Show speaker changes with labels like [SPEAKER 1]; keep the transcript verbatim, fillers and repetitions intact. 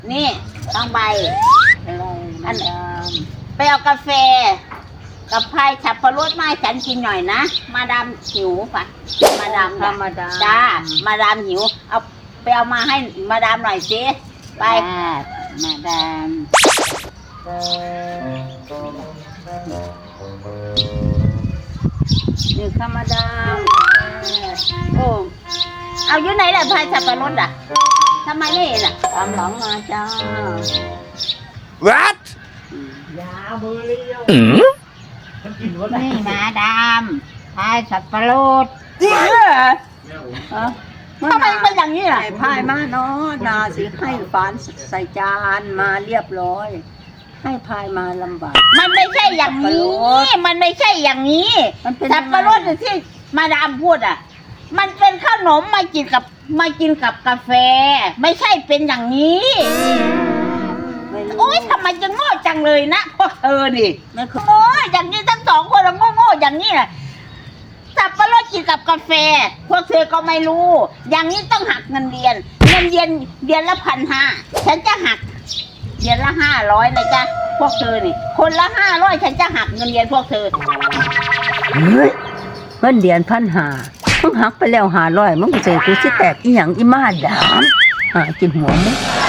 [SPEAKER 1] นี่ต้องใบ
[SPEAKER 2] อะไร
[SPEAKER 1] อัน
[SPEAKER 2] ดาม
[SPEAKER 1] ไปเอากาแฟกับพายฉับพรสมาให้ฉันกินหน่อยนะมาดามหิวปะมาดาม
[SPEAKER 2] ธรรมดา
[SPEAKER 1] จ้ามาดามหิวเอาไปเอามาให้มาดามหน่อยสิไป
[SPEAKER 2] มาดามนี่ธรรมดา
[SPEAKER 1] โอ้เอาอยู่ไหนล่ะพายฉับพรสอ่ะทำไมไม่เห็นอ่ะ
[SPEAKER 2] ตามหลังมาจ้า
[SPEAKER 3] What?
[SPEAKER 2] ยาเบอร์เรียว
[SPEAKER 3] Hmm?
[SPEAKER 2] นี่มาดามพายสับปะรด
[SPEAKER 1] จริงเหรอ
[SPEAKER 2] เออ
[SPEAKER 1] ทำไมเป็นอย่างนี้ล่ะ
[SPEAKER 2] ใส่พายมาเนาะนาสิให้ฝานใส่จานมาเรียบร้อย ให้พายมาลำบาก
[SPEAKER 1] มันไม่ใช่อย่างนี้ มันไม่ใช่อย่างนี้
[SPEAKER 2] มันเป็น
[SPEAKER 1] สับปะรดที่มาดามพูดอ่ะ มันเป็นขนมมากินกับมากินกับกาแฟ ไม่ใช่เป็นอย่างนี้
[SPEAKER 2] ไม่รู้
[SPEAKER 1] โอ๊ยทำไมจะโง่จังเลยนะพวกเธอนี่
[SPEAKER 2] ไม่เคย
[SPEAKER 1] โอ้ยอย่างนี้ทั้งสองคนโง่โง่ๆอย่างนี้แหละสับปะรดกินกับกาแฟ พวกเธอก็ไม่รู้ อย่างนี้ต้องหักเงินเดือน เงินเดือนเดือนละพันห้าฉันจะหักเดือนละห้าร้อยเลยจ้ะพวกเธอนี่ คนละห้าร้อยฉันจะหักเงินเดือนพวกเธอ
[SPEAKER 2] เฮ้ยเงินเดือนพันหามึงหักไปแล้วหาร้อยมึงเสียกูสิแตกอีหยังอีมาดามหากินหัวมึง